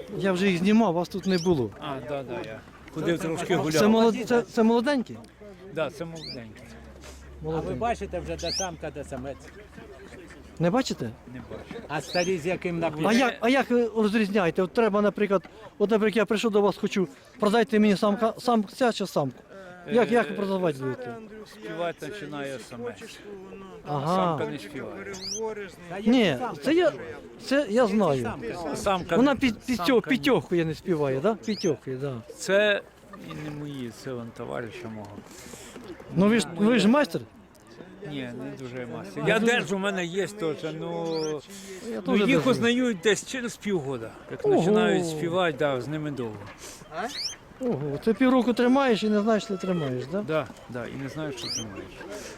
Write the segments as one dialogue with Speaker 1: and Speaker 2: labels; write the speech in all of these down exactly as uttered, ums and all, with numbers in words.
Speaker 1: Я вже їх знімав, вас тут не було.
Speaker 2: А, так, да, да, я ходив трошки гуляв.
Speaker 1: Це, молод... це, це молоденькі?
Speaker 2: Да, це молоденький.
Speaker 3: А ви
Speaker 1: Молоденькі.
Speaker 3: бачите вже де самка, де самець?
Speaker 1: Не бачите?
Speaker 2: Не бачу.
Speaker 3: А старі з яким
Speaker 1: А
Speaker 3: напівом?
Speaker 1: як, а як ви розрізняєте? От треба, наприклад, от, наприклад, я прийшов до вас, хочу, продайте мені самка, самця чи самку. Як, як ви продавати будете?
Speaker 2: Співати починає саме.
Speaker 1: Ага.
Speaker 2: Самка не співає.
Speaker 1: Ні, це я, це я знаю.
Speaker 2: Самка,
Speaker 1: Вона під, під,
Speaker 2: самка
Speaker 1: цього,
Speaker 2: ні.
Speaker 1: підтьохує, не співає, да? Підтьохує, да.
Speaker 2: Це і не мої, це вон товариша мого.
Speaker 1: Ну ви ж, ви ж майстер?
Speaker 2: Ні, не дуже мастер. Я держу, у мене є теж, ну,
Speaker 1: Я
Speaker 2: ну
Speaker 1: теж
Speaker 2: їх
Speaker 1: держу.
Speaker 2: узнають десь через півгода. Як
Speaker 1: Ого.
Speaker 2: починають співати, да, з ними довго.
Speaker 1: Ого, це півроку тримаєш і не знаєш, що тримаєш, да?
Speaker 2: Да, да, і не знаю, що ти маєш.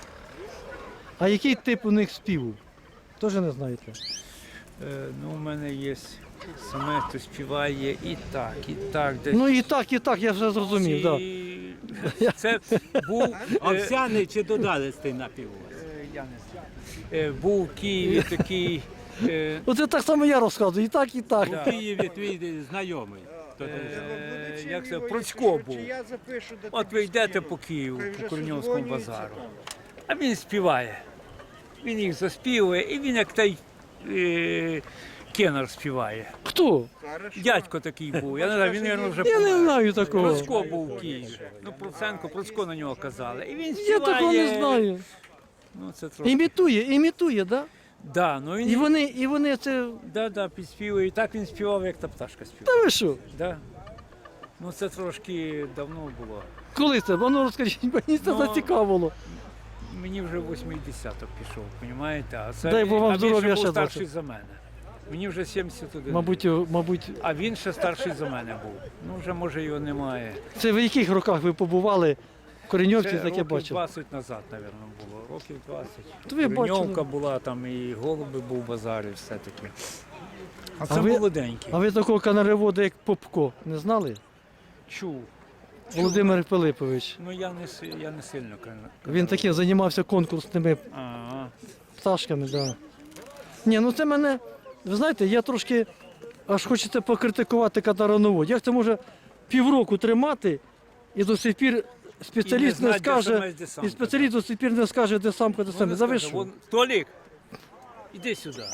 Speaker 1: А який тип у них співу? Теж не знаєте?
Speaker 2: Е, ну, у мене є саме, хто співає і так, і так. Десь.
Speaker 1: Ну і так, і так, я вже зрозумів, так.
Speaker 2: І... Це був, е,
Speaker 3: Овсяний чи додалистий напів у вас?
Speaker 2: е, я не знаю. Е, був в Києві такий. Е,
Speaker 1: Оце так само я розказую, і так, і так.
Speaker 3: У Києві твій знайомий. Хто там?
Speaker 2: е, як це, Процько був. От ви йдете по Києву, по Корньовському базару, а він співає. Він їх заспівує, і він як той е, кенар співає.
Speaker 1: Хто?
Speaker 2: Дядько такий був, я не знаю, він, мабуть, вже
Speaker 1: Я не
Speaker 2: помер.
Speaker 1: знаю такого.
Speaker 2: Процько був в Києві. Ну, Проценко, Процько на нього казали. І він
Speaker 1: Я
Speaker 2: співає.
Speaker 1: такого не знаю.
Speaker 2: Ну, це трохи.
Speaker 1: Імітує, імітує, да?
Speaker 2: Да, ну він,
Speaker 1: І вони, і вони це.
Speaker 2: да, да, підспівує. І так він співав, як та пташка співала.
Speaker 1: Та ви що?
Speaker 2: Да. Ну, це трошки давно було.
Speaker 1: Коли це? Воно розкажіть, мені це
Speaker 2: Ну,
Speaker 1: зацікавило.
Speaker 2: Мені вже восьмий десяток пішов, розумієте? А це
Speaker 1: Дай Бог вам
Speaker 2: а він
Speaker 1: здоров'я
Speaker 2: ще
Speaker 1: ще
Speaker 2: був старший
Speaker 1: бачу.
Speaker 2: за мене. Мені вже сімдесят один.
Speaker 1: Мабуть, його- мабуть,
Speaker 2: А він ще старший за мене був. Ну, вже, може, його немає.
Speaker 1: це в яких роках ви побували в Кореньовці,
Speaker 2: Це
Speaker 1: таке
Speaker 2: років
Speaker 1: бачили?
Speaker 2: двадцять назад, мабуть, було. Років двадцять.
Speaker 1: То ви
Speaker 2: Кореньовка
Speaker 1: бачили.
Speaker 2: була, там і голуби був базар, і все таке. А
Speaker 1: А
Speaker 2: це
Speaker 1: ви-
Speaker 2: молоденький.
Speaker 1: А ви такого канаревода, як Попко, не знали?
Speaker 2: Чув.
Speaker 1: Володимир Пилипович.
Speaker 2: Ну, я не, си- я не сильно кажу.
Speaker 1: Він таким займався конкурсними
Speaker 2: Ага.
Speaker 1: пташками, так. Да. Ні, ну це мене, ви знаєте, я трошки аж хочеться покритикувати катароновод. Як це може півроку тримати і до сих пір спеціаліст
Speaker 2: І
Speaker 1: не,
Speaker 2: не знати, де
Speaker 1: скаже,
Speaker 2: самець, де самка,
Speaker 1: і спеціаліст до сих пір не скаже, де самка, де саме. За ви що?
Speaker 2: Толік, іди сюди.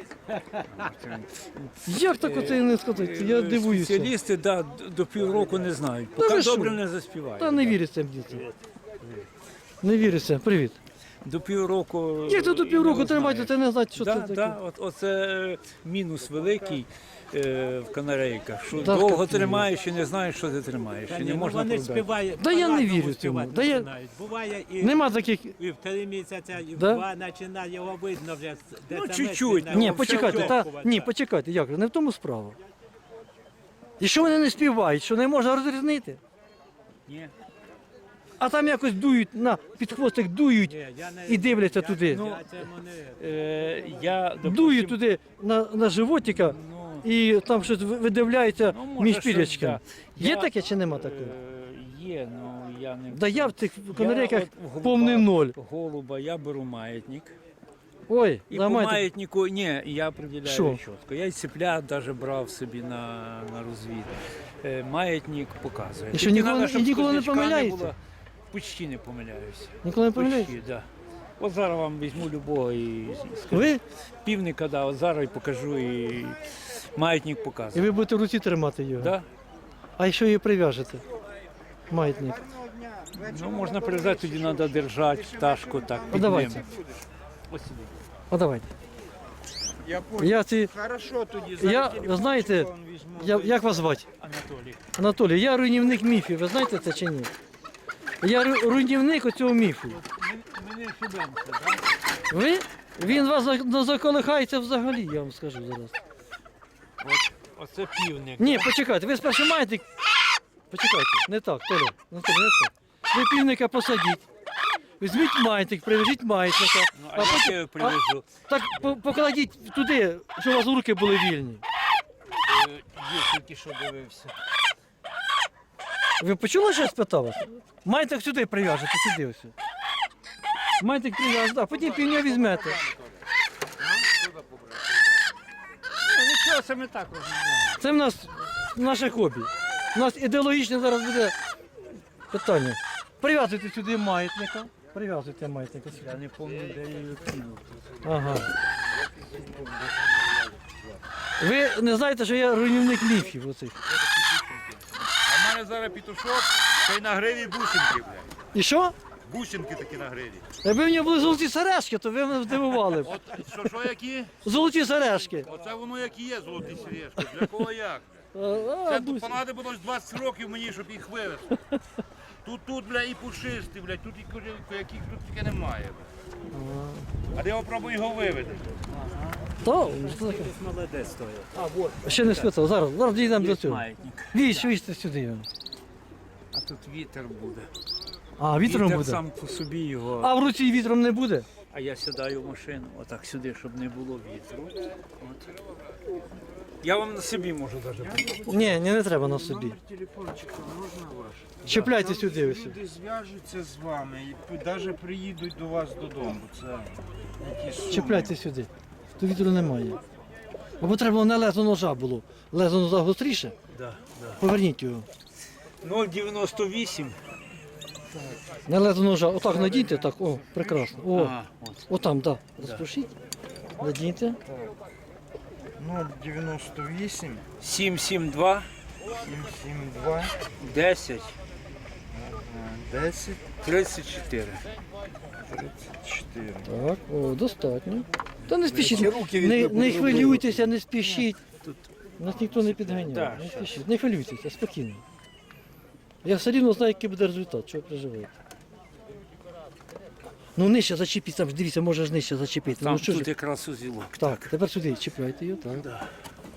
Speaker 1: Як так оце не сказати? Я
Speaker 2: Е,
Speaker 1: дивуюся.
Speaker 2: Спеціалісти да, д- до півроку не знають,
Speaker 1: Та
Speaker 2: поки
Speaker 1: ви що?
Speaker 2: добре не заспівають.
Speaker 1: Та не віриться мені. Не віриться. Привіт.
Speaker 2: До півроку.
Speaker 1: Як це до
Speaker 2: і
Speaker 1: півроку
Speaker 2: не
Speaker 1: тримати,
Speaker 2: знаєш.
Speaker 1: це не знати, що
Speaker 2: да,
Speaker 1: це таке.
Speaker 2: да, от, оце е, мінус великий е, в канарейках, що
Speaker 1: Да,
Speaker 2: довго
Speaker 1: капець.
Speaker 2: тримаєш і не знаєш, що ти тримаєш.
Speaker 3: Та
Speaker 2: І
Speaker 3: ні,
Speaker 2: не
Speaker 3: ну
Speaker 2: можна
Speaker 3: вони
Speaker 2: продати.
Speaker 3: співають.
Speaker 1: Да я не
Speaker 3: по-разному
Speaker 1: вірю
Speaker 3: співати
Speaker 1: цьому. Да я-
Speaker 3: починають. Буває і,
Speaker 1: Нема таких.
Speaker 3: і в три місяця, і в
Speaker 1: Да?
Speaker 3: два починає, його видно вже. де
Speaker 2: Ну,
Speaker 3: самець,
Speaker 2: чуть-чуть,
Speaker 3: де
Speaker 2: ну,
Speaker 1: Ні,
Speaker 2: все
Speaker 1: почекайте, та,
Speaker 3: очікувати.
Speaker 1: ні, почекайте, як же, не в тому справа. І що вони не співають, що не можна розрізнити?
Speaker 2: Ні.
Speaker 1: А там якось дують, на, під хвостик дують
Speaker 3: Ні, я не-
Speaker 1: і дивляться
Speaker 3: я-
Speaker 1: туди.
Speaker 3: Я цьому не...
Speaker 2: Е, я, допустим,
Speaker 1: Дують туди на, на животика
Speaker 2: Ну,
Speaker 1: і там щось ви- видивляється
Speaker 2: ну, може,
Speaker 1: між
Speaker 2: щось,
Speaker 1: пірячками.
Speaker 2: да.
Speaker 1: Є
Speaker 2: Я,
Speaker 1: таке чи нема такого?
Speaker 2: Е, є, ну я не.
Speaker 1: Да я в цих
Speaker 2: Я
Speaker 1: канарейках
Speaker 2: от в голуба-
Speaker 1: повний ноль.
Speaker 2: Голуба, я беру маятник.
Speaker 1: Ой,
Speaker 2: І по
Speaker 1: ламайте.
Speaker 2: маятнику, ні, я определяю
Speaker 1: Що?
Speaker 2: чітко. Я й цеплят навіть брав собі на, на розвід. Е, маятник показує.
Speaker 1: І що,
Speaker 2: Тільки
Speaker 1: ніколи-
Speaker 2: надо, щоб
Speaker 1: і ніколи не
Speaker 2: сквознячка
Speaker 1: помиляється?
Speaker 2: було. Почти не помиляюся.
Speaker 1: Ніколи не помиляєте?
Speaker 2: Почти, да. От зараз вам візьму любого і скажу.
Speaker 1: Ви?
Speaker 2: Півника, да, от зараз і покажу, і маятник
Speaker 1: І
Speaker 2: показує.
Speaker 1: ви будете в руці тримати його.
Speaker 2: Да?
Speaker 1: А що її прив'яжете? Маятник.
Speaker 2: Ну, можна прив'язати, тоді треба держати пташку так.
Speaker 1: Ну,
Speaker 2: під
Speaker 1: давайте.
Speaker 2: ним. Ось сюди.
Speaker 1: А давайте.
Speaker 4: Я понял.
Speaker 1: Я ці.
Speaker 4: Хорошо, тоді
Speaker 1: Я,
Speaker 4: зараз
Speaker 1: ви
Speaker 4: телефон
Speaker 1: знаєте,
Speaker 4: візьму.
Speaker 1: я, як вас звати?
Speaker 2: Анатолій.
Speaker 1: Анатолій, я руйнівник міфів, ви знаєте це чи ні? Я ру- руйнівник оцього міфу.
Speaker 2: Ми не ошибемося, так?
Speaker 1: Ви? Він вас за- не заколихається взагалі, я вам скажу зараз.
Speaker 2: Оце півник.
Speaker 1: Ні, почекайте, ви спершу маєте. Почекайте, не так, Толя, Анатолій, не так. Ви півника посадіть. Візьміть маятник, привяжіть маятника.
Speaker 2: Ну,
Speaker 1: А
Speaker 2: а як
Speaker 1: потім-
Speaker 2: я його привезу?
Speaker 1: Так по- покладіть туди, щоб у вас руки були вільні.
Speaker 2: Е, Є тільки що дивився.
Speaker 1: Ви почули, що я спитав вас? Маятник сюди прив'яжете, сюди ось. Маятник прив'яжете, а потім півня візьмете.
Speaker 2: Нічого, саме так розумію.
Speaker 1: Це в нас наше хобі. У нас ідеологічне зараз буде питання. Прив'язуйте сюди маятника. Прив'язуйте маятника сюди.
Speaker 2: Я не пам'ятаю, де я її кинув.
Speaker 1: Ага. Ви не знаєте, що я руйнівник міфів оцих.
Speaker 5: А в мене зараз пітушок, та й на гриві бусинки, блядь.
Speaker 1: І що?
Speaker 5: Бусинки такі на гриві.
Speaker 1: Якби в мене були золоті сережки, то ви мене здивували б.
Speaker 5: От що, що які?
Speaker 1: Золоті сережки.
Speaker 5: Оце воно як і є золоті сережки. Для кого як?
Speaker 1: А, а,
Speaker 5: Це
Speaker 1: бусі.
Speaker 5: тут понадобилось двадцять років мені, щоб їх вивезти. Тут, тут, бля, і пушисти, бля, тут і ко- яких тут тільки немає. Бля. А де я попробую його вивезти?
Speaker 1: То, що таке?
Speaker 3: Молодець стоїть.
Speaker 1: Ще не спитав, зараз, зараз дійдемо до
Speaker 2: Є
Speaker 1: цього.
Speaker 2: маятник.
Speaker 1: Вісь, вісь сюди.
Speaker 2: А тут вітер буде.
Speaker 1: А, вітром
Speaker 2: Вітер
Speaker 1: буде.
Speaker 2: сам по собі його.
Speaker 1: А в руці вітром не буде?
Speaker 2: А я сідаю в машину, отак сюди, щоб не було вітру. От. Я вам на собі можу навіть.
Speaker 1: Ні, ні, не треба на собі.
Speaker 4: Телефончика можна ваш?
Speaker 1: Чіпляйте сюди ось.
Speaker 4: Люди зв'яжуться з вами і навіть приїдуть до вас додому. Це які суми.
Speaker 1: Чіпляйте сюди. То вітру немає. Або треба було не лезо ножа було. Лезо ножа гостріше.
Speaker 2: Да, да.
Speaker 1: Поверніть його.
Speaker 2: нуль дев'яносто вісім.
Speaker 1: Не лезо ножа. Отак надійте, так, о, прекрасно. О,
Speaker 2: Ага, от.
Speaker 1: отам, так. Да. Розпушіть. Надійте.
Speaker 4: нуль дев'яносто вісім,
Speaker 2: сім сім два,
Speaker 4: сім сім два,
Speaker 2: десять,
Speaker 4: десять,
Speaker 2: тридцять чотири.
Speaker 4: тридцять чотири.
Speaker 1: Так, о, достатньо. Та не спішіть, не, не хвилюйтеся, не спішіть.
Speaker 2: Тут
Speaker 1: Нас ніхто не підганяє,
Speaker 2: Так,
Speaker 1: не
Speaker 2: щас.
Speaker 1: спішіть, не хвилюйтеся, спокійно. Я все рівно знаю, який буде результат, чого переживаєте. Ну нижче зачепіть, там ж дивіться, можеш нижче зачепити.
Speaker 2: там
Speaker 1: Ну, що
Speaker 2: тут
Speaker 1: ж...
Speaker 2: якраз узілок.
Speaker 1: Так, тепер сюди чіпляйте його, так.
Speaker 2: Да.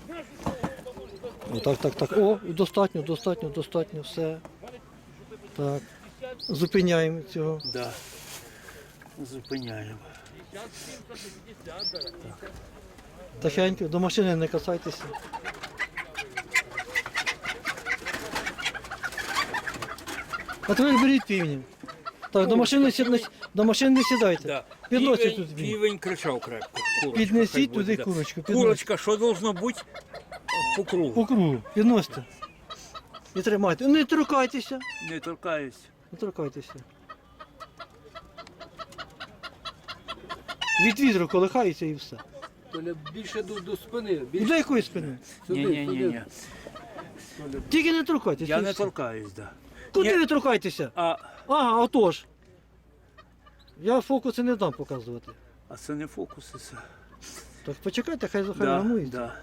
Speaker 1: О, так, так, так. О, достатньо, достатньо, достатньо, все. Так. Зупиняємо цього.
Speaker 2: Да. Зупиняємо.
Speaker 1: Тихенько, до машини не касайтеся. А тепер беріть півні. Так, до машини, сі- не- до машини не сідайте.
Speaker 2: Да.
Speaker 1: Підносять
Speaker 2: Півень,
Speaker 1: тут він.
Speaker 2: півень кричав крепко. Курочка, хай
Speaker 1: Піднесіть
Speaker 2: буде,
Speaker 1: туди
Speaker 2: да.
Speaker 1: курочку. підносіть.
Speaker 2: Курочка, що должно бути по кругу?
Speaker 1: По кругу. Підносите. І тримайте. Не торкайтеся.
Speaker 2: Не торкаюсь.
Speaker 1: Не торкайтеся. Від вітру колихається і все.
Speaker 6: Толя, більше до, до спини.
Speaker 1: І
Speaker 6: Більше
Speaker 1: до якої спини?
Speaker 2: Ні, ні, ні, ні.
Speaker 1: Тільки не торкайтеся.
Speaker 2: Я
Speaker 1: і
Speaker 2: не
Speaker 1: все.
Speaker 2: торкаюсь, да.
Speaker 1: Куди
Speaker 2: Ні.
Speaker 1: ви торкаєтеся?
Speaker 2: А,
Speaker 1: Ага, отож. Я фокуси не дам показувати.
Speaker 2: а це не фокуси. Це.
Speaker 1: Так почекайте, хай
Speaker 2: Да,
Speaker 1: захарямується.
Speaker 2: да.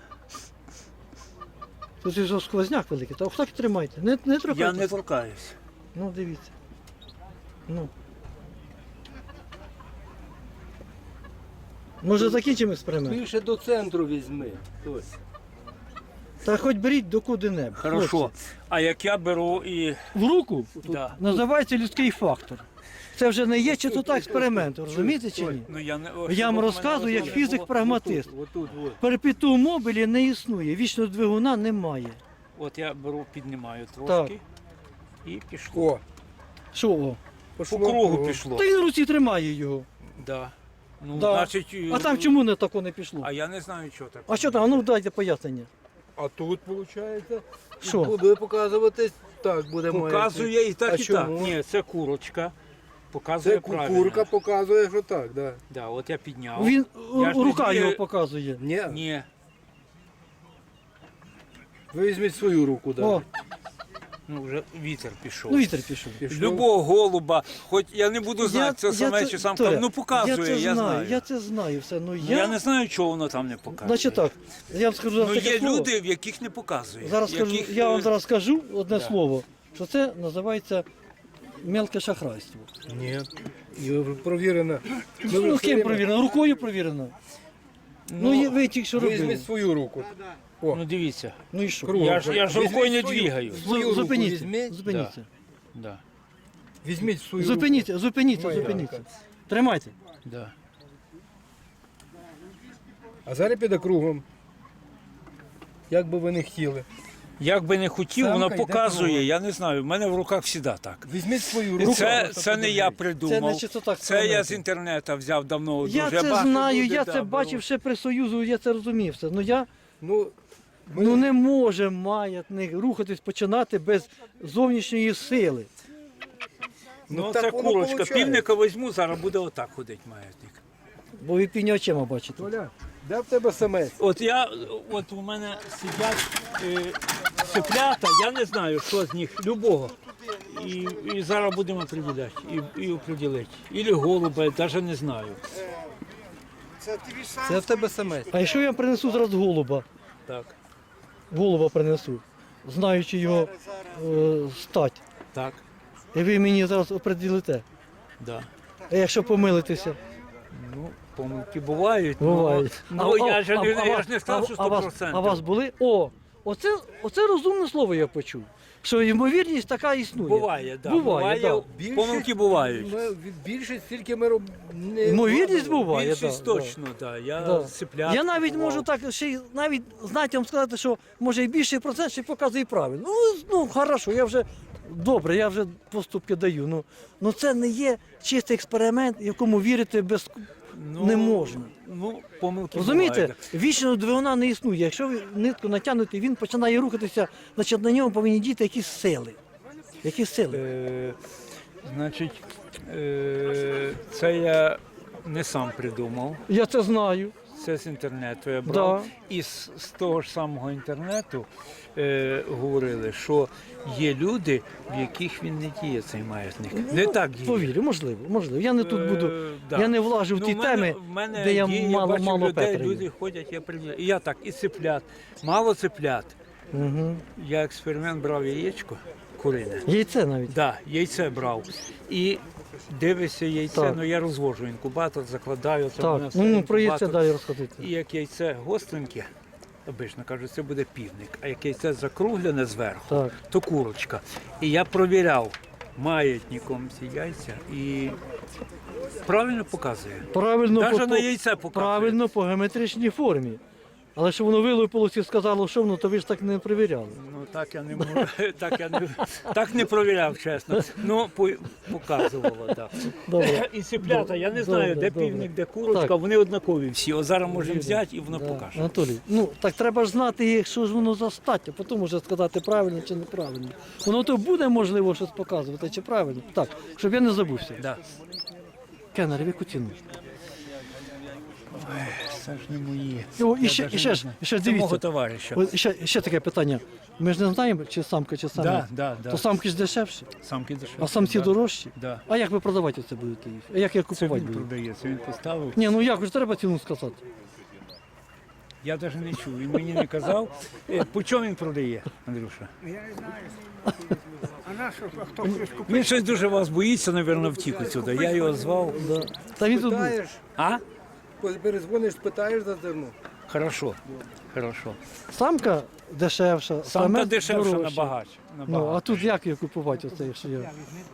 Speaker 1: Тут же сквозняк великий. Так так і тримайте. Не, не
Speaker 2: Я
Speaker 1: торкайтеся.
Speaker 2: не торкаюсь.
Speaker 1: Ну, дивіться. Ну. Може закінчимо експеримент?
Speaker 6: більше до центру візьми. Толя.
Speaker 1: Та хоч беріть до куди-небудь.
Speaker 2: Хорошо.
Speaker 1: хлопці.
Speaker 2: А як я беру і.
Speaker 1: В руку
Speaker 2: Да.
Speaker 1: називається людський фактор. Це вже не є чистота експерименту, розумієте чи ні?
Speaker 2: Ну, я, не...
Speaker 1: Я вам
Speaker 2: щоб
Speaker 1: розказую, як
Speaker 2: мене
Speaker 1: фізик-прагматист.
Speaker 6: Отут, от.
Speaker 1: Перепіту мобілі не існує, вічного двигуна немає.
Speaker 2: От я беру, піднімаю трошки. І пішло.
Speaker 4: О,
Speaker 1: Що? О?
Speaker 2: По кругу пішло.
Speaker 1: Та він в руці тримає його.
Speaker 2: Да. Ну,
Speaker 1: Да.
Speaker 2: значить,
Speaker 1: А там чому не тако не пішло?
Speaker 2: А я не знаю, що так.
Speaker 1: А що там? А ну дайте пояснення.
Speaker 6: А тут, виходить,
Speaker 1: Що?
Speaker 6: буде показуватись, так буде маятник.
Speaker 2: Показує і так,
Speaker 6: А
Speaker 2: і так.
Speaker 6: чому?
Speaker 2: Ні, це курочка. Показує
Speaker 6: Це
Speaker 2: правильно.
Speaker 6: курка показує, що так, да.
Speaker 2: Да, от я підняв.
Speaker 1: Він
Speaker 2: Я ж
Speaker 1: рука
Speaker 2: тоді-
Speaker 1: його показує.
Speaker 6: Ні,
Speaker 2: Ні.
Speaker 6: ви візьміть свою руку, да.
Speaker 1: О,
Speaker 2: Ну вже вітер пішов.
Speaker 1: ну вітер пішов.
Speaker 6: Пішов.
Speaker 2: Любого голуба, хоч я не буду знати, це саме чи самка,
Speaker 1: Толя,
Speaker 2: ну показує,
Speaker 1: я, це
Speaker 2: я,
Speaker 1: знаю,
Speaker 2: знаю.
Speaker 1: я це знаю все. Ну
Speaker 2: Ну,
Speaker 1: я,
Speaker 2: я не знаю, чого воно там не показує.
Speaker 1: Значить так, я вам скажу
Speaker 2: Ну
Speaker 1: таке
Speaker 2: є
Speaker 1: слово.
Speaker 2: люди, в яких не показує.
Speaker 1: Зараз скажу,
Speaker 2: яких,
Speaker 1: я вам
Speaker 2: е,
Speaker 1: зараз скажу одне
Speaker 2: да.
Speaker 1: слово, що це називається мелке шахрайство.
Speaker 6: Ні. І провірено.
Speaker 1: Ну, ким провірено? Рукою провірено. Ну, є- ви тільки що робили.
Speaker 6: Візьміть свою руку.
Speaker 2: Ну дивіться,
Speaker 1: Ну і що?
Speaker 6: Кругом.
Speaker 2: я ж, я ж
Speaker 6: Візьміть
Speaker 2: рукою не
Speaker 6: свою-
Speaker 2: двигаю.
Speaker 6: свою руку
Speaker 1: Зупиніться,
Speaker 6: візьміть.
Speaker 1: зупиніться.
Speaker 2: Да,
Speaker 6: Візьміть свою руку.
Speaker 1: Зупиніться, зупиніться,
Speaker 6: Моя
Speaker 1: зупиніться.
Speaker 6: рука.
Speaker 1: Тримайте.
Speaker 2: да.
Speaker 6: А зараз піде кругом. Як би ви не хотіли.
Speaker 2: Як би не хотів,
Speaker 6: Самка
Speaker 2: воно
Speaker 6: йде
Speaker 2: показує,
Speaker 6: кругом.
Speaker 2: я не знаю, в мене в руках завжди так.
Speaker 6: Візьміть свою руку.
Speaker 2: Це,
Speaker 6: просто
Speaker 2: це не я
Speaker 6: подивіться.
Speaker 1: Це
Speaker 2: придумав,
Speaker 1: не чистота
Speaker 2: це я
Speaker 1: експерименту.
Speaker 2: з інтернету взяв давно.
Speaker 1: Я
Speaker 2: дуже
Speaker 1: це
Speaker 2: багато
Speaker 1: знаю,
Speaker 2: люди,
Speaker 1: я
Speaker 2: да,
Speaker 1: це
Speaker 2: беруть.
Speaker 1: бачив ще при Союзу, я це розумів все. Ну я,
Speaker 6: Ну,
Speaker 1: Ну не може маятник рухатись, починати без зовнішньої сили.
Speaker 2: Ну,
Speaker 6: Ну,
Speaker 2: це
Speaker 6: так воно
Speaker 2: курочка.
Speaker 6: получається.
Speaker 2: Півника візьму, зараз буде отак ходити маятник.
Speaker 1: Бо ви півні очима бачите.
Speaker 6: Толя, де в тебе самець?
Speaker 2: От я, от у мене сидять е, цеплята, я не знаю, що з них, любого. І, і зараз будемо определяти, і, і определити. Ілі голуба, навіть не знаю.
Speaker 4: Це тобі сам.
Speaker 6: Це в тебе самець.
Speaker 1: А якщо я принесу зараз голуба,
Speaker 2: Так,
Speaker 1: голуба принесу, знаючи його е, стать,
Speaker 2: так,
Speaker 1: і ви мені зараз оприділите.
Speaker 2: да.
Speaker 1: А якщо помилитеся?
Speaker 2: Ну, помилки бувають.
Speaker 1: Буває.
Speaker 2: Ну, ну я, ж, не- я ж не сказав, що
Speaker 1: а, вас,
Speaker 2: сто відсотків.
Speaker 1: а вас були? О, оце, оце розумне слово я почув. Що ймовірність така існує.
Speaker 2: Буває, да.
Speaker 1: Буває, да.
Speaker 6: Більшість-
Speaker 2: Помилки бувають.
Speaker 6: Ми, від більшість тільки ми роб... не
Speaker 1: Ймовірність буває.
Speaker 2: Більшість
Speaker 1: да,
Speaker 2: точно, да. Я
Speaker 1: да.
Speaker 2: цеплят
Speaker 1: Я навіть
Speaker 2: купував.
Speaker 1: можу так ще й навіть знаєте, вам сказати, що може і більший процент ще й показує правильно. Ну, ну хорошо, я вже добре, я вже поступки даю. Ну, ну це не є чистий експеримент, якому вірити без
Speaker 2: Ну,
Speaker 1: не можна.
Speaker 2: Ну, помилки
Speaker 1: Розумієте,
Speaker 2: бувають.
Speaker 1: вічного двигуна не існує. Якщо ви нитку натягнете, він починає рухатися, значить на ньому повинні діти якісь сили. Які сили?
Speaker 2: Е, значить, е, це я не сам придумав.
Speaker 1: Я це знаю.
Speaker 2: Це з інтернету я брав.
Speaker 1: Да.
Speaker 2: І з, з того ж самого інтернету е, говорили, що є люди, в яких він не діє цей маятник. Не так діє.
Speaker 1: Повірю, можливо, можливо. Я не тут буду.
Speaker 2: Е, да.
Speaker 1: Я не влажу в
Speaker 2: Ну,
Speaker 1: ті
Speaker 2: в мене-
Speaker 1: теми,
Speaker 2: в мене
Speaker 1: де я
Speaker 2: є,
Speaker 1: мало-
Speaker 2: бачив
Speaker 1: мало
Speaker 2: людей,
Speaker 1: Петра є.
Speaker 2: люди ходять, я прийняв. І я так, і цеплят. Мало цеплят.
Speaker 1: Угу.
Speaker 2: Я експеримент брав яєчко курине.
Speaker 1: Яйце навіть.
Speaker 2: Да, яйце брав. І дивишся яйце,
Speaker 1: Так.
Speaker 2: ну я розвожу інкубатор, закладаю. Це в мене
Speaker 1: Так,
Speaker 2: все
Speaker 1: ну, ну про яйце
Speaker 2: інкубатор.
Speaker 1: далі розходити.
Speaker 2: І як яйце гостреньке, обично кажуть, це буде півник, а як яйце закруглене зверху,
Speaker 1: Так.
Speaker 2: то курочка. І я провіряв маятником ці яйця і правильно показує.
Speaker 1: Правильно,
Speaker 2: Навіть
Speaker 1: по,
Speaker 2: на яйце показує.
Speaker 1: правильно по геометричній формі. Але що воно вилупилося і сказало, що воно, то ви ж так не перевіряли.
Speaker 2: Ну так я не можу, так я не так не провіряв, чесно. Ну по- показувало, так.
Speaker 1: Добре.
Speaker 2: І цеплята, я не
Speaker 1: Добре,
Speaker 2: знаю, де
Speaker 1: добре.
Speaker 2: півник, де курочка,
Speaker 1: Так.
Speaker 2: вони однакові всі. От зараз можемо взяти і воно
Speaker 1: Да.
Speaker 2: покаже.
Speaker 1: Анатолій, ну так треба ж знати, що ж воно за стать, а потім вже сказати правильно чи неправильно. Воно то буде можливо щось показувати, чи правильно. Так, щоб я не забувся.
Speaker 2: Да.
Speaker 1: Кеннер, в яку ціну?
Speaker 2: Це ж не мої.
Speaker 1: О, і
Speaker 2: Я
Speaker 1: ще,
Speaker 2: даже
Speaker 1: і ще
Speaker 2: не
Speaker 1: ж,
Speaker 2: знаю.
Speaker 1: і ще
Speaker 2: Це мого
Speaker 1: дивіться.
Speaker 2: товариша.
Speaker 1: От ще, ще таке питання. Ми ж не знаємо, чи самка, чи самець.
Speaker 2: Да, да, да.
Speaker 1: То самки ж дешевші,
Speaker 2: Самки дешеві.
Speaker 1: а самці
Speaker 2: да.
Speaker 1: дорожчі.
Speaker 2: Да.
Speaker 1: А як ви продавати це будете їх? А як я
Speaker 2: Це
Speaker 1: купувати
Speaker 2: він
Speaker 1: буду?
Speaker 2: продається, він поставив.
Speaker 1: Ні, ну як ж треба ціну сказати.
Speaker 2: Я навіть не чув, він мені не казав. Е, По чому він продає, Андрюша? Він щось дуже вас боїться, мабуть, втік отсюди. Я його звав.
Speaker 1: Да. Та він тут був.
Speaker 6: Питаєш,
Speaker 2: А?
Speaker 6: перезвониш, питаєш за зерно.
Speaker 2: Хорошо. Хорошо.
Speaker 1: Самка дешевша,
Speaker 2: Самка
Speaker 1: самець
Speaker 2: дешевша
Speaker 1: дорожча.
Speaker 2: набагато.
Speaker 1: Ну,
Speaker 2: набагато.
Speaker 1: а тут як її купувати оце, якщо я.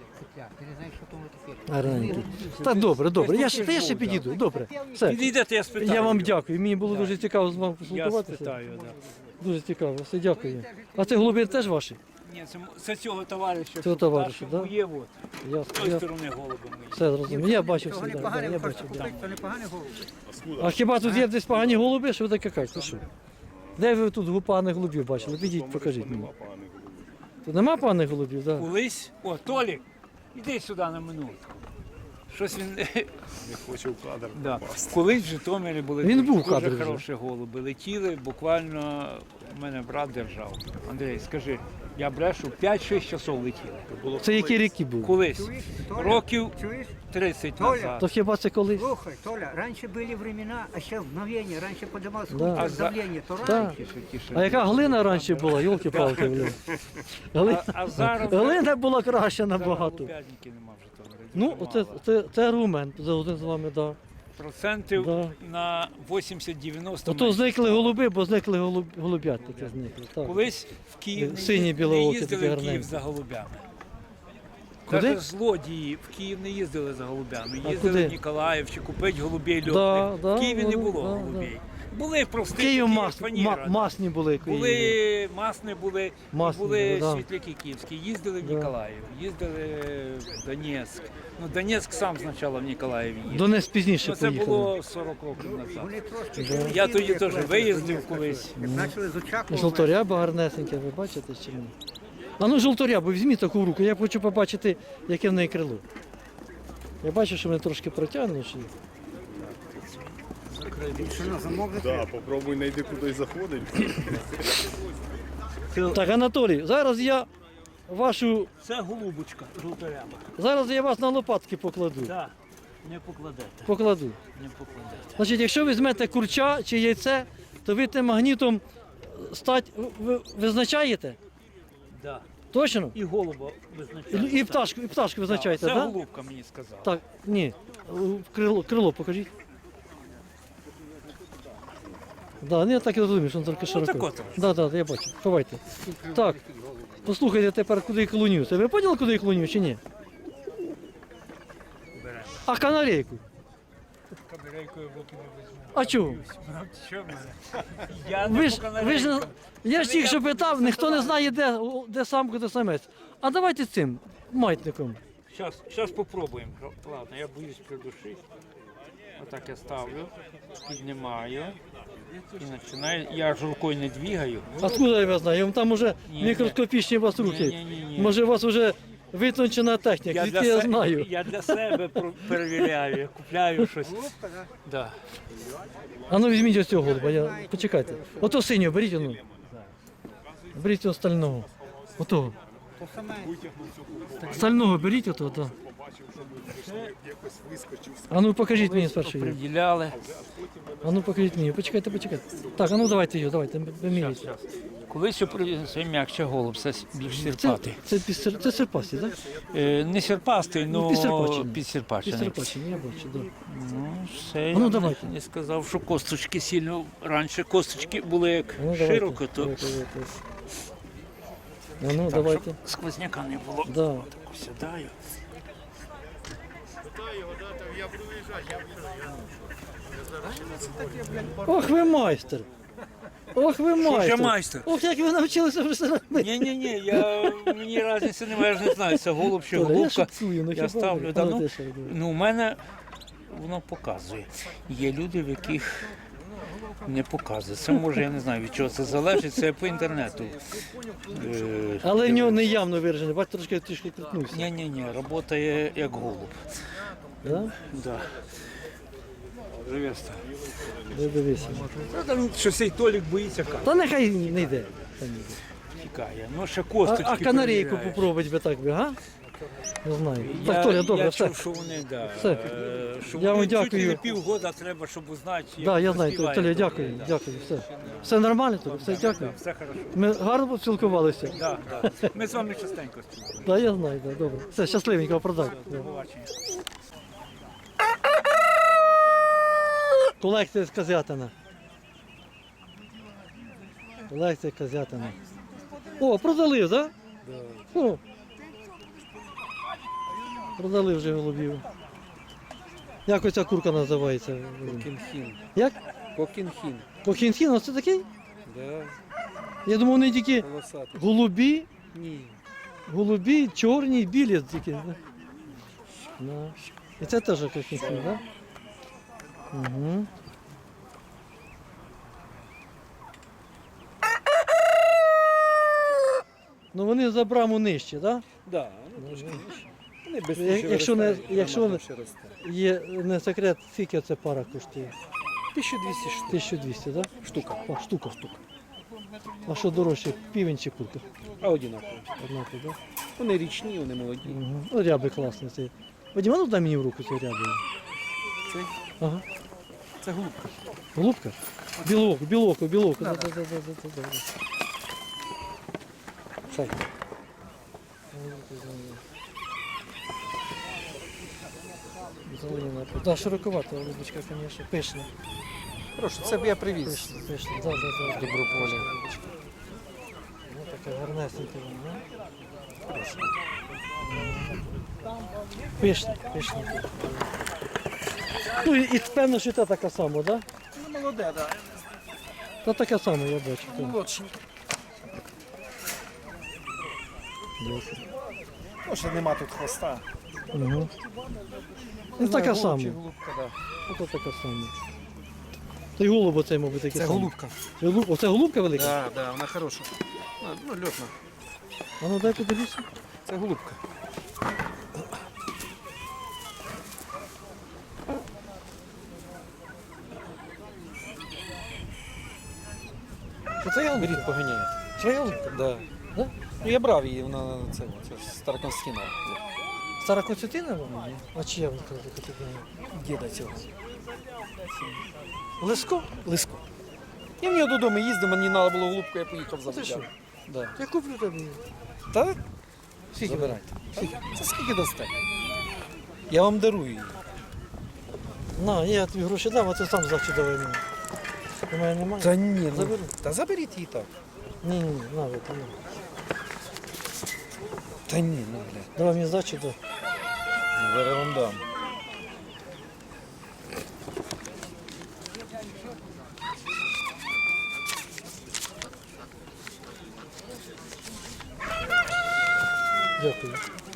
Speaker 1: Гарненький. Так, добре, добре. Я ще, та я ще підійду. Добре. Все.
Speaker 2: Підійдете, я спитаю.
Speaker 1: Я вам дякую. Мені було дуже цікаво з вами
Speaker 2: Я
Speaker 1: поспілкуватися.
Speaker 2: спитаю, да.
Speaker 1: Дуже цікаво. Все, дякую. А це голуби теж ваші?
Speaker 2: Ні, це, це цього товариша.
Speaker 1: Цього товариша,
Speaker 2: да?
Speaker 1: да?
Speaker 2: Є, от. З
Speaker 1: Ясно.
Speaker 2: тої
Speaker 1: Я
Speaker 2: сторони голуби мої.
Speaker 1: все зрозумів. Я бачив всі. Да, я бачив, да. А хіба тут є десь погані голуби, що ви таке кажете? Що? Де ви тут поганих голубів бачили? Підіть, покажіть мені. Тут нема поганих голубів, так? Да?
Speaker 2: Колись, о, Толік, іди сюди на минутку. Щось він
Speaker 5: Не хочу в кадр.
Speaker 2: да. Колись в Житомирі були
Speaker 1: Він був в
Speaker 2: дуже
Speaker 1: кадрі вже.
Speaker 2: хороші голуби. Летіли, буквально у мене брат держав. Андрій, скажи, я брешу, п'ять-шість часов летіли.
Speaker 1: Це які ріки були?
Speaker 2: Колись, років
Speaker 7: Чуєш?
Speaker 2: тридцять
Speaker 7: Толя.
Speaker 2: назад.
Speaker 1: То хіба це колись?
Speaker 7: Слухай, Толя, раньше были времена, а сейчас мгновение. Раньше поднималось
Speaker 1: Да.
Speaker 7: да.
Speaker 2: А за-
Speaker 7: давление, то
Speaker 1: Так.
Speaker 7: раньше.
Speaker 2: Тише, тише.
Speaker 1: А яка глина раніше була, йолки-палки, блін. Глина,
Speaker 2: А, а зараз
Speaker 1: глина була краща
Speaker 2: зараз
Speaker 1: набагато.
Speaker 2: голубятники нема в Житомирі.
Speaker 1: Ну,
Speaker 2: Дуже
Speaker 1: оце,
Speaker 2: мало.
Speaker 1: це, це аргумент за один з вами, так.
Speaker 2: Процентів
Speaker 1: Да.
Speaker 2: на вісімдесят-дев'яносто.
Speaker 1: Ото зникли голуби, бо зникли голуб, голуб'ят такі зникли. Так.
Speaker 2: Колись в Київ не
Speaker 1: Сині
Speaker 2: їз-
Speaker 1: білоокі,
Speaker 2: не їздили
Speaker 1: такі
Speaker 2: в Київ
Speaker 1: гарненькі.
Speaker 2: за голубями.
Speaker 1: Куди?
Speaker 2: Навіть злодії в Київ не їздили за голубями.
Speaker 1: А
Speaker 2: Їздили
Speaker 1: куди?
Speaker 2: в Ніколаїв чи купити голубей
Speaker 1: Да,
Speaker 2: льотних.
Speaker 1: да,
Speaker 2: в Києві не
Speaker 1: ну,
Speaker 2: було
Speaker 1: да,
Speaker 2: голубей. Були прості,
Speaker 1: Київ
Speaker 2: такі,
Speaker 1: мас,
Speaker 2: фаніра,
Speaker 1: ма-
Speaker 2: да.
Speaker 1: масні були. Києві.
Speaker 2: Були масни, були,
Speaker 1: Масні
Speaker 2: були
Speaker 1: були, да.
Speaker 2: світляки київські, їздили в
Speaker 1: Да.
Speaker 2: Ніколаїв, їздили в Донецьк. Ну, Донецьк сам спочатку в Ніколаєві їздив.
Speaker 1: Донець пізніше
Speaker 2: Ну, це
Speaker 1: поїхали.
Speaker 2: було сорок років
Speaker 7: Вони
Speaker 2: назад.
Speaker 7: трошки
Speaker 2: Я тоді теж виїздив колись.
Speaker 7: Як почали з Очакова.
Speaker 1: Жовторяба гарнесеньке, ви бачите чи ні? А ну жовторябу, візьміть таку в руку, я хочу побачити, яке в неї крило. Я бачу, що вони трошки протягнуті.
Speaker 8: Да, попробуй знайди кудись заходить.
Speaker 1: Так, Анатолій, зараз я вашу.
Speaker 3: Це голубочка, жовторяба.
Speaker 1: Зараз я вас на лопатки покладу.
Speaker 3: Так, не покладете,
Speaker 1: Покладу.
Speaker 3: не покладете.
Speaker 1: Значить, якщо візьмете курча чи яйце, то ви тим магнітом стать ви визначаєте?
Speaker 3: Да.
Speaker 1: Точно?
Speaker 3: І голуба
Speaker 1: І,
Speaker 3: визначаєте.
Speaker 1: і пташку, і пташку визначаєте,
Speaker 2: Це
Speaker 1: так? Да?
Speaker 2: голубка мені сказала.
Speaker 1: Так, ні. Крило, крило покажіть. Да, ну я так і розумію, що він тільки широко.
Speaker 2: так от.
Speaker 1: Да, да, я бачу. Ховайте. Так, послухайте тепер, куди я клонюся. Ви поняли, куди я клоню чи ні? А канарейку? А чого?
Speaker 2: Я
Speaker 1: Ви
Speaker 2: не
Speaker 1: ж,
Speaker 2: по
Speaker 1: ви ж, не-
Speaker 2: канарейкам.
Speaker 1: я ж тільки що питав, ніхто не знає, де, де самка, де самець. А давайте цим, маятником.
Speaker 2: Щас, щас попробуємо. Ладно, я боюсь придушити. Отак я ставлю, піднімаю і починаю. Я ж рукою не двигаю.
Speaker 1: Откуда я вас знаю? Вам там уже
Speaker 2: Ні,
Speaker 1: мікроскопічні у вас руки.
Speaker 2: Ні, ні, ні.
Speaker 1: Може, у вас вже витончена техніка, звідки я
Speaker 2: се-
Speaker 1: знаю.
Speaker 2: я для себе про- перевіряю, я купляю щось. Да.
Speaker 1: А ну візьміть ось цього голуба, я... почекайте. Ото синього, беріть ону. Беріть цього стального. Отого. Стального беріть ото, так. А ну покажіть мені спершу його.
Speaker 2: Приділяли.
Speaker 1: А ну покажіть мені, почекайте, почекайте. Так, а ну давайте його, давайте, вимірюйте.
Speaker 2: Колись це м'якше голуб, це більш
Speaker 1: Це,
Speaker 2: сірпатий.
Speaker 1: це, пісер, це серпасті, так?
Speaker 2: Е, не сірпастий,
Speaker 1: Ну,
Speaker 2: але
Speaker 1: підсерпачений.
Speaker 2: підсірпачений.
Speaker 1: Пісерпачені, я бачу, так.
Speaker 2: Ну, все,
Speaker 1: А ну,
Speaker 2: я
Speaker 1: давайте.
Speaker 2: не сказав, що косточки сильно. Раніше косточки були як
Speaker 1: Ну, давайте,
Speaker 2: широко, то
Speaker 1: давайте, давайте. А ну, давайте.
Speaker 2: сквозняка не було.
Speaker 1: Да.
Speaker 2: Так сідаю.
Speaker 1: Ох ви майстер! Ох ви майстер!
Speaker 2: я майстер?
Speaker 1: Ох, як ви навчилися вже робити!
Speaker 2: Ні, ні, ні, я мені різниці немає, я ж не знаю, це голуб чи
Speaker 1: Я
Speaker 2: голубка.
Speaker 1: шуткую, ну
Speaker 2: Я
Speaker 1: хіба
Speaker 2: ставлю,
Speaker 1: ви?
Speaker 2: да,
Speaker 1: А ну,
Speaker 2: ну,
Speaker 1: ти що робиш?
Speaker 2: ну, у мене воно показує. Є люди, в яких не показує. Це може, я не знаю, від чого це залежить, це по інтернету. Е,
Speaker 1: Але в нього не явно виражений, бачите, трошки трішки крутнувся.
Speaker 2: Ні, ні, ні, працює як голуб.
Speaker 1: Да?
Speaker 2: Да. Живеста.
Speaker 1: Ви дивися.
Speaker 2: Там що цей Толік боїться камери.
Speaker 1: Та нехай не йде. Та не йде.
Speaker 2: Тікає. Ну, ще
Speaker 1: А,
Speaker 2: косточки
Speaker 1: а канарейку
Speaker 2: перевіряє.
Speaker 1: попробувати би так би, га? Не знаю.
Speaker 2: Я,
Speaker 1: Так, Толя, добре,
Speaker 2: я
Speaker 1: все.
Speaker 2: чув, що вони, да,
Speaker 1: Все.
Speaker 2: е, що
Speaker 1: Я
Speaker 2: вони
Speaker 1: вам
Speaker 2: чуть ли
Speaker 1: дякую.
Speaker 2: не півгода треба, щоб узнати, як
Speaker 1: Так, я знаю,
Speaker 2: поспіває
Speaker 1: Толя,
Speaker 2: Толік,
Speaker 1: дякую,
Speaker 2: да.
Speaker 1: дякую, все. Все нормально, Толя, все, дякую.
Speaker 2: Все хорошо.
Speaker 1: Ми гарно поспілкувалися.
Speaker 2: Да, да. Ми з вами частенько спілкуємося.
Speaker 1: Так, я знаю, так, добре. Все, щасливенько, продай.
Speaker 2: До побачення.
Speaker 1: Колекція з Козятина. Колекція Козятина. О, продали, так? Да? О. Продали вже голубів. Як оця курка називається?
Speaker 6: Кокінхін.
Speaker 1: Як?
Speaker 6: Кокінхін.
Speaker 1: Кохінхін, оце такий?
Speaker 6: Да,
Speaker 1: Я думав, вони тільки
Speaker 6: волосатий.
Speaker 1: голубі,
Speaker 6: Ні.
Speaker 1: голубі, чорні, білі тільки. Да? Да. І це теж кохінхін, так? Да? Угу. Ну вони за браму нижче, так? Да?
Speaker 6: Да, ну, трошки нижче. Вони без
Speaker 1: Як- якщо не- якщо не-
Speaker 6: ще росте.
Speaker 1: Є не секрет, скільки ця пара коштує?
Speaker 6: тисяча двісті штук.
Speaker 1: тисяча двісті, так?
Speaker 6: Штука.
Speaker 1: Да? Штука, штука. А що дорожче, півень чи курка?
Speaker 6: А одинаково.
Speaker 1: Однаково, так?
Speaker 6: Вони річні, вони молоді.
Speaker 1: Угу. Ну, ряби класні. Це. Вадим, а ну дай мені в руку цю рябу.
Speaker 6: Цей?
Speaker 1: Ага.
Speaker 6: Це голубка.
Speaker 1: Голубка? Білок, білок, білок. Да, да, да, да, да, да, да. Шай. Зелена. Да, широковата голубочка, звісно. Пишна.
Speaker 6: Прошу, це б я привіз.
Speaker 1: Пишна, пишна. Да, да, да.
Speaker 6: Доброполя.
Speaker 1: Ну, така гарнесенька вона, да? Пишна, пишна. Ну і, і певно, що та така сама, так? Да?
Speaker 6: Ну, молоде, так.
Speaker 1: Та таке саме, я бачу. так.
Speaker 6: Молодший.
Speaker 1: Дякую.
Speaker 6: Може нема тут хвоста.
Speaker 1: Угу. Ну, таке
Speaker 6: Голуб
Speaker 1: саме.
Speaker 6: чи голубка, да.
Speaker 1: Ото таке саме. Та й голуб оцей, мабуть, такий
Speaker 6: Це
Speaker 1: самий.
Speaker 6: голубка.
Speaker 1: Це голуб- Оце голубка велика?
Speaker 6: Да, да, вона хороша. Ну, ну, льотна.
Speaker 1: А ну дай подивіться.
Speaker 6: Це голубка. Оце я голубка поганяє. Це я голубка? Да.
Speaker 1: Да?
Speaker 6: Ну, я брав її, вона це, це староконстина.
Speaker 1: Стара Константина вона? А чия вона Константина?
Speaker 6: Діда цього.
Speaker 1: Леско?
Speaker 6: Лиско. Я в нього додому їздив, мені треба було голубку, я поїхав
Speaker 1: Ти
Speaker 6: забрати.
Speaker 1: що?
Speaker 6: Да.
Speaker 1: Я куплю тобі.
Speaker 6: Так?
Speaker 1: Скільки?
Speaker 6: Забирайте. Це скільки дасте? Я вам дарую її.
Speaker 1: На, я тобі гроші дам, а ти сам завтра давай мені. У мене немає?
Speaker 6: Та ні, ну,
Speaker 1: Заберу.
Speaker 6: Та заберіть її так.
Speaker 1: Ні, ні, ні, на, вот, на.
Speaker 6: Та ні, ну, блядь.
Speaker 1: Давай мені здачу, да.
Speaker 6: Зараз вам дам.
Speaker 1: Дякую.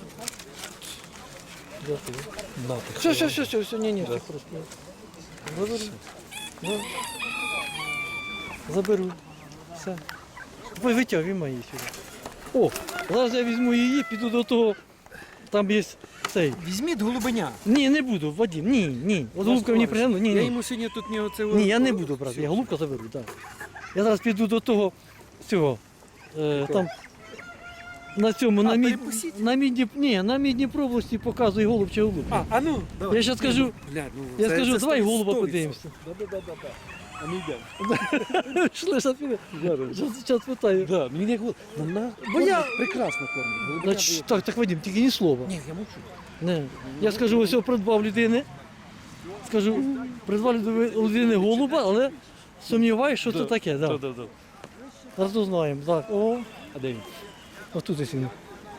Speaker 1: Дякую.
Speaker 6: На, так.
Speaker 1: Все, все, все, все, все, ні, ні, все просто. Заберу. Да. Заберу. Все. Ви витягуй мої сюди. О, зараз я візьму її, піду до того. Там є цей.
Speaker 6: Візьміть голубеня.
Speaker 1: Ні, не буду, Вадим, ні, ні. От голубка мені пригадала, ні,
Speaker 6: Я
Speaker 1: ні.
Speaker 6: йому сьогодні тут не оце...
Speaker 1: Ні, я не буду брати, я голубка заберу, так. Я зараз піду до того цього. Е, там на цьому, на, мід,
Speaker 6: перепустіть?
Speaker 1: на, мідні, ні, на мідній області показує голуб чи голубка.
Speaker 6: А, а ну, давай.
Speaker 1: Я зараз скажу,
Speaker 6: Блядь, ну,
Speaker 1: я
Speaker 6: це-
Speaker 1: скажу,
Speaker 6: це
Speaker 1: давай
Speaker 6: сто-
Speaker 1: голуба
Speaker 6: сто
Speaker 1: подивимося.
Speaker 6: Да-да-да-да. А ми йдемо.
Speaker 1: Шли, зараз піде. Зараз питаю.
Speaker 6: Да, мені не голуб. Вона
Speaker 1: Бо я-
Speaker 6: прекрасно кормить. Голубеня
Speaker 1: Значить,
Speaker 6: дає.
Speaker 1: так, так, Вадим, тільки ні слова.
Speaker 6: Ні, я мовчу.
Speaker 1: Не. Я скажу, ось я придбав людини. Скажу, придбав люди- людини голуба, але сумніваюся, що це таке. Да.
Speaker 6: Да-да-да.
Speaker 1: Зараз узнаємо. Так, о,
Speaker 6: А де він?
Speaker 1: отут ось він.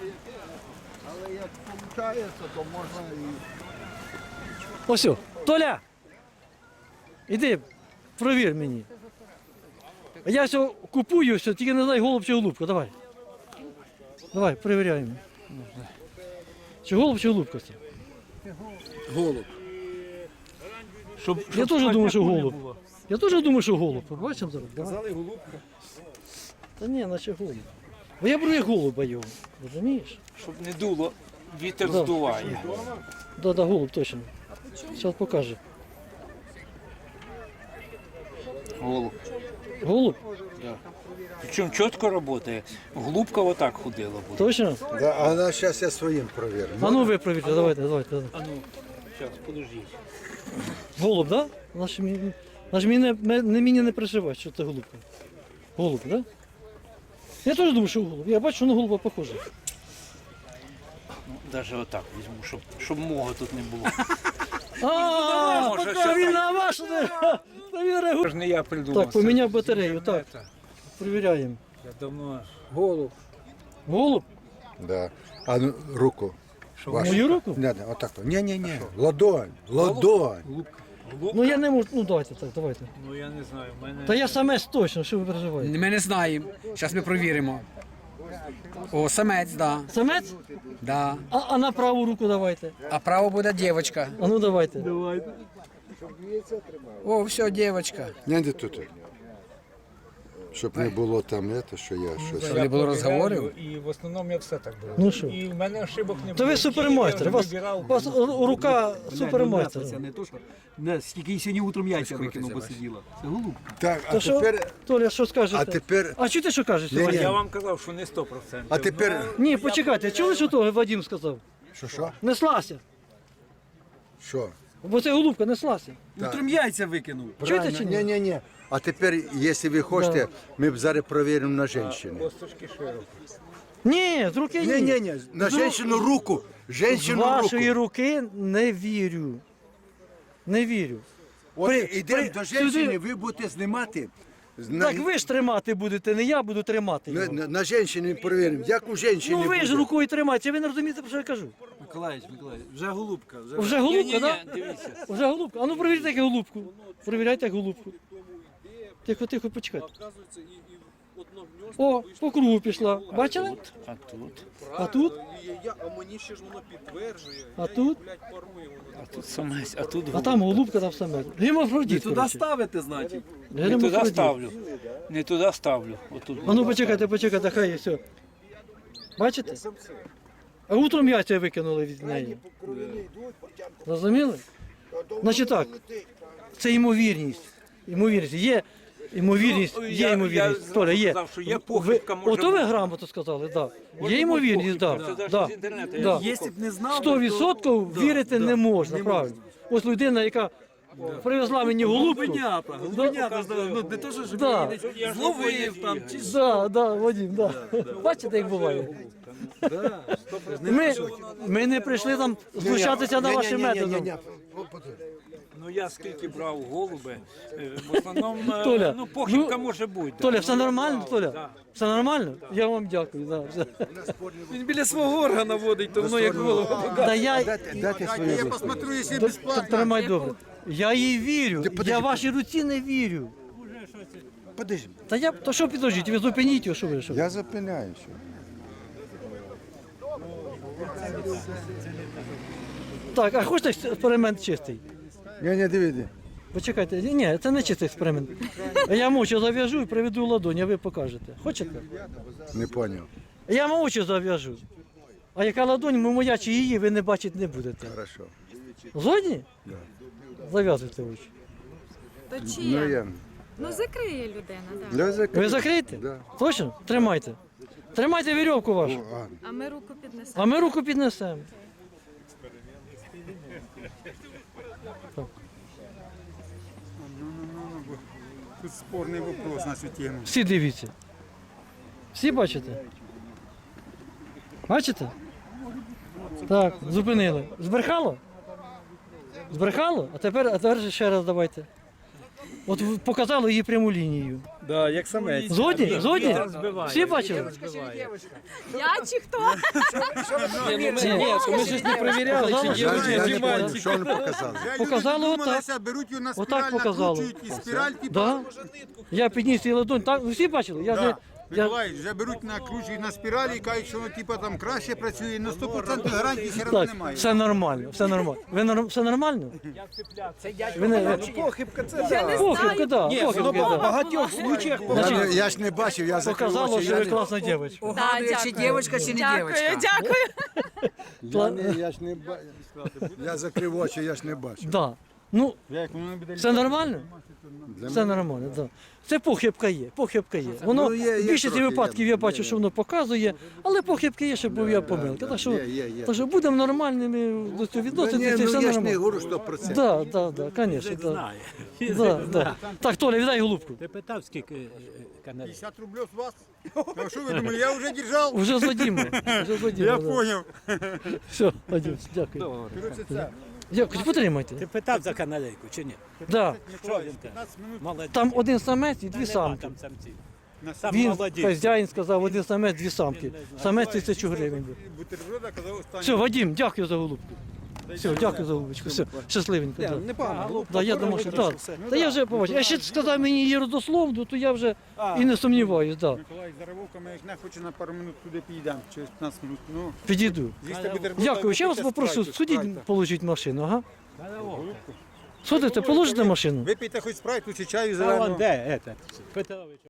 Speaker 1: Ось, о, Толя! Іди, провір мені. Я все купую, все, тільки не знаю, голуб чи голубка, давай. Давай, перевіряємо. Чи голуб, чи голубка це?
Speaker 6: Голуб.
Speaker 2: Щоб,
Speaker 1: Я
Speaker 2: щоб
Speaker 1: теж думаю, що
Speaker 2: сквозняку не
Speaker 1: голуб.
Speaker 2: було.
Speaker 1: Я теж думаю, що голуб. Побачимо зараз. Давай.
Speaker 6: Казали голубка.
Speaker 1: Та ні, наче голуб. Бо я беру як голуба його, розумієш?
Speaker 2: Щоб не дуло, вітер
Speaker 1: Да.
Speaker 2: здуває.
Speaker 1: Да, да, голуб точно. Зараз покаже.
Speaker 2: Голуб.
Speaker 1: Голуб?
Speaker 2: Причому чітко працює. Голубка отак ходила буде.
Speaker 1: Точно?
Speaker 9: Да, а на зараз я своїм провірю.
Speaker 1: А ну ви провірте, давайте, давайте. давайте.
Speaker 2: А ну, зараз, подождіть.
Speaker 1: Голуб, так? Да? Наш, мі- наш мені не, ме- не мені не пришиває, що це голубка. Голуб, так? Да? Я теж думаю, що голуб. Я бачу, що на голуба похоже.
Speaker 2: Ну, навіть отак візьму, щоб, щоб мого тут не було.
Speaker 1: А,
Speaker 2: може,
Speaker 1: поки
Speaker 2: що
Speaker 1: він
Speaker 2: так?
Speaker 1: на вашу не. Та він реагує.
Speaker 2: Це ж не я придумав.
Speaker 1: Так, поміняв
Speaker 2: це
Speaker 1: батарею, так.
Speaker 2: інтернета.
Speaker 1: Перевіряємо.
Speaker 2: Я давно.
Speaker 6: Голуб.
Speaker 1: Голуб?
Speaker 9: Да. А ну, руку. Вашу.
Speaker 1: Мою руку?
Speaker 9: Не, не, отак. Ні, ні, ні. Ладонь. Ладонь.
Speaker 1: Ну я не можу. Ну давайте так, давайте.
Speaker 2: Ну я не знаю, в мене.
Speaker 1: Та я самець точно, що ви переживаєте?
Speaker 10: Ми не знаємо. Зараз ми провіримо. О, самець, да.
Speaker 1: Самець?
Speaker 10: да.
Speaker 1: А, а на праву руку давайте.
Speaker 10: А право буде дівчинка.
Speaker 1: А ну давайте.
Speaker 10: О, все, дівчинка.
Speaker 9: Не, не тут. Щоб не було там, це, що я щось.
Speaker 10: Щоб не було розговорів.
Speaker 2: І в основному я все так було.
Speaker 1: Ну що?
Speaker 2: І в мене ошибок не було.
Speaker 1: То ви супермайстер. У вас,
Speaker 2: вибирав.
Speaker 1: у вас ру- рука супермайстер.
Speaker 6: Це не то, що... Не, скільки їй сьогодні утром яйця викинув, бо сиділа. Це голубка.
Speaker 9: Так, а
Speaker 1: То що,
Speaker 9: тепер.
Speaker 1: Толя, що скажете?
Speaker 9: А тепер.
Speaker 1: А чути, що кажеш?
Speaker 9: Ні,
Speaker 1: Вадим?
Speaker 9: ні.
Speaker 2: Я вам казав, що не сто процентів.
Speaker 9: А тепер.
Speaker 1: Ні, почекайте, чули, що того Вадим сказав?
Speaker 9: Що, що?
Speaker 1: Неслася.
Speaker 9: Що?
Speaker 1: Бо це голубка неслася.
Speaker 6: Утром яйця викинув.
Speaker 1: Чуєте чи ні?
Speaker 9: Ні, ні, ні. А тепер, якщо ви хочете, ми б зараз перевіримо на жінку.
Speaker 2: Косточки широкі.
Speaker 1: Ні, з руки
Speaker 9: Ні, ні, ні. На
Speaker 1: З ру-
Speaker 9: жінку руку.
Speaker 1: З
Speaker 9: Жінку руку.
Speaker 1: вашої руки не вірю. Не вірю.
Speaker 9: От
Speaker 1: При-
Speaker 9: ідемо
Speaker 1: при-
Speaker 9: до
Speaker 1: сюди-
Speaker 9: жінки, ви будете знімати. На,
Speaker 1: Так ви ж тримати будете, не я буду тримати
Speaker 9: на,
Speaker 1: його.
Speaker 9: на, на жінки перевіримо. Як у жінки
Speaker 1: Ну ви
Speaker 9: буде.
Speaker 1: ж рукою тримаєте, ви не розумієте, про що я кажу.
Speaker 6: Миколаївич, Миколаївич, вже голубка. Вже...
Speaker 1: Вже голубка,
Speaker 2: Ні-ні-ні,
Speaker 1: так?
Speaker 2: дивіться.
Speaker 1: Вже голубка. А ну перевіряйте як голубку. Перевіряйте як голубку. Тихо, тихо, почекайте.
Speaker 6: Оказується, і, і одно гніздо
Speaker 1: О,
Speaker 6: вийшло.
Speaker 1: по кругу пішла. Бачили?
Speaker 2: А тут?
Speaker 1: А тут?
Speaker 6: І я, а мені ще ж воно підтверджує.
Speaker 1: А
Speaker 6: я
Speaker 1: тут?
Speaker 6: Їх, блядь, парую воно.
Speaker 2: А тут самець, а тут
Speaker 1: А там голубка там саме. Гемофродіт,
Speaker 6: Туди
Speaker 1: коротше.
Speaker 6: ставити, значить.
Speaker 2: Не туди
Speaker 1: Гемофродіт.
Speaker 2: ставлю. Не туди ставлю. Отут.
Speaker 1: А ну почекайте, почекайте, хай є все. Бачите? А утром яйця викинули від неї. Розуміли? Значить так, це ймовірність. Ймовірність. Є ймовірність,
Speaker 2: Ну,
Speaker 1: є
Speaker 2: я-
Speaker 1: ймовірність.
Speaker 2: я
Speaker 1: Толя, є.
Speaker 2: сказав, що є
Speaker 1: Ви-
Speaker 2: похибка, може
Speaker 1: Ото ви
Speaker 2: бути.
Speaker 1: грамотно сказали, так.
Speaker 2: Може
Speaker 1: Є
Speaker 2: бути
Speaker 1: ймовірність,
Speaker 2: похибка,
Speaker 1: так.
Speaker 2: це
Speaker 1: Да,
Speaker 2: навіть з інтернету я
Speaker 1: да.
Speaker 2: знаю.
Speaker 6: Якщо б не знав,
Speaker 1: Сто відсотків вірити не можна, правильно. Ось людина, яка привезла мені голубку.
Speaker 6: Голубенята, голубенята, ну не то, що ж
Speaker 1: Да.
Speaker 6: він зловив там, чи що.
Speaker 1: Да, да, Вадим, да. Бачите, як буває. Ми, ми не прийшли там знущатися на ваші методи.
Speaker 2: Ну я скільки брав голуби, е, в основному е,
Speaker 1: Толя,
Speaker 2: ну, похибка
Speaker 1: ну,
Speaker 2: може бути.
Speaker 1: Толя, все нормально, Толя?
Speaker 2: Да.
Speaker 1: Все нормально? Я вам дякую. Да, все.
Speaker 6: Він біля свого органа водить, то воно як голову.
Speaker 1: Да я,
Speaker 9: Дайте свою
Speaker 5: Я посмотрю, якщо
Speaker 1: Т-
Speaker 5: безплатно.
Speaker 1: т- Тримай добре. Я їй вірю. Я вашій руці не вірю.
Speaker 9: Подожди,
Speaker 1: Та я, то що підождіть, ви зупиніть його, що ви що?
Speaker 9: я зупиняюся.
Speaker 1: Так, а хочете експеримент чистий?
Speaker 9: Ні, ні, дивіться.
Speaker 1: Почекайте, ні, ні, це не чистий експеримент. Я мовчу зав'яжу і приведу ладонь, а ви покажете. Хочете?
Speaker 9: Не поняв.
Speaker 1: Я мовчу зав'яжу. А яка ладонь, моя чи її, ви не бачити не будете.
Speaker 9: Хорошо.
Speaker 1: Згодні? Зав'язуйте очі.
Speaker 11: То
Speaker 9: Ну
Speaker 11: чия?
Speaker 9: я.
Speaker 11: Ну закриє людина, так.
Speaker 9: Для закрити.
Speaker 1: Ви закриєте?
Speaker 9: Да.
Speaker 1: Точно? Тримайте. Тримайте вірьовку вашу.
Speaker 9: А,
Speaker 11: А ми руку піднесемо.
Speaker 1: А ми руку піднесемо.
Speaker 5: Тут спорний вопрос на цю тему.
Speaker 1: Всі дивіться. Всі бачите? Бачите? Так, зупинили. Збрехало? Збрехало? А тепер, а тепер ще раз давайте. От в- показало її пряму лінію.
Speaker 6: Да, як самець.
Speaker 1: Згодні? Згодні? Всі бачили?
Speaker 11: Я чи хто?
Speaker 6: Ні, ну ми, ні, то ми ж не перевіряли, чи
Speaker 1: Показало,
Speaker 6: є
Speaker 1: що-
Speaker 6: вони,
Speaker 9: я
Speaker 6: чи
Speaker 9: не поняв,
Speaker 6: мальчик.
Speaker 9: що вони показали.
Speaker 1: Показало отак.
Speaker 5: беруть його на
Speaker 1: Отак
Speaker 5: спіраль,
Speaker 1: показало.
Speaker 5: накручують і спіраль, типу,
Speaker 1: Да? Я підніс її ладонь. Так, ви всі бачили? Я,
Speaker 5: Да.
Speaker 1: не- я,
Speaker 5: Миколаївич, вже беруть, накручують на спіралі і кажуть, що воно типу, там краще працює, на сто відсотків гарантії все одно
Speaker 1: так,
Speaker 5: немає.
Speaker 1: все нормально, все нормально. Ви норм- все нормально? Ви не, ви-
Speaker 6: Похибка це
Speaker 1: похибка, да,
Speaker 6: Ні, воно
Speaker 1: похибка,
Speaker 6: в
Speaker 1: да.
Speaker 6: багатьох случаях
Speaker 9: Я, не- я ж не бачив, я закрив
Speaker 1: Показало,
Speaker 9: очі.
Speaker 1: що
Speaker 9: Я,
Speaker 1: ви
Speaker 9: не,
Speaker 1: класна дівчинка.
Speaker 7: Угадує, чи дівчинка, чи не
Speaker 11: Дякую,
Speaker 7: дівчинка.
Speaker 11: дякую.
Speaker 9: я, не, я ж не бачив. Я закрив очі, я ж не бачив.
Speaker 1: Да. Ну,
Speaker 5: Як воно не буде
Speaker 1: все нормально?
Speaker 9: Для
Speaker 1: Все нормально, так. Да. Це похибка є, похибка є. Воно
Speaker 9: Ну, є- є
Speaker 1: в більшості
Speaker 9: трохи,
Speaker 1: випадків
Speaker 9: є,
Speaker 1: я бачу,
Speaker 9: є,
Speaker 1: що воно показує, але похибки є, щоб був я помилка. Так що,
Speaker 9: є, є, є.
Speaker 1: так що будемо нормальними до цього
Speaker 9: Ні,
Speaker 1: відноситися, і
Speaker 9: ну
Speaker 1: все
Speaker 9: я ж не
Speaker 1: нормально.
Speaker 9: говорю сто процентів.
Speaker 1: Так, так, так, звісно. Да. Да, да. Так, Толя, віддай голубку.
Speaker 3: Ти питав, скільки е, каналів?
Speaker 5: п'ятдесят рублів з вас? А що ви думали, я вже держав?
Speaker 1: Уже з Вадимом. Уже з Вадимом,
Speaker 5: Я
Speaker 1: да.
Speaker 5: поняв.
Speaker 1: Все, Вадим, дякую. Дякую, потримайте.
Speaker 3: Ти питав за каналейку чи ні?
Speaker 1: Да.
Speaker 3: Що він каже? Молодець.
Speaker 1: Там один самець і дві
Speaker 3: Нема
Speaker 1: самки.
Speaker 3: там самців. Сам
Speaker 1: Він,
Speaker 3: молодець.
Speaker 1: хазяїн сказав, один самець, дві самки. Самець тисячу гривень. був.
Speaker 5: Бутерброда казав останній.
Speaker 1: Все, Вадим, дякую за голубку. Все, дякую за голубочку. Все, щасливенько. Да.
Speaker 6: непогано.
Speaker 1: Да, я думав, що так. Та я вже побачив. Я ще сказав мені її родословну, то я вже і не сумніваюсь, да.
Speaker 5: Миколаївич, за Равовками, як не хоче на пару минут туди підійдемо, через п'ятнадцять минут. Ну,
Speaker 1: Підійду.
Speaker 5: з'їсти бутерброда.
Speaker 1: Дякую, ще вас
Speaker 5: випийте
Speaker 1: попрошу,
Speaker 5: спрайту,
Speaker 1: сходіть,
Speaker 5: спрайта.
Speaker 1: положіть машину, ага. Сходите, положите машину.
Speaker 5: Випийте хоч спрайту чи чаю
Speaker 3: А вон
Speaker 5: зеленого.
Speaker 3: де, этот, Петрович.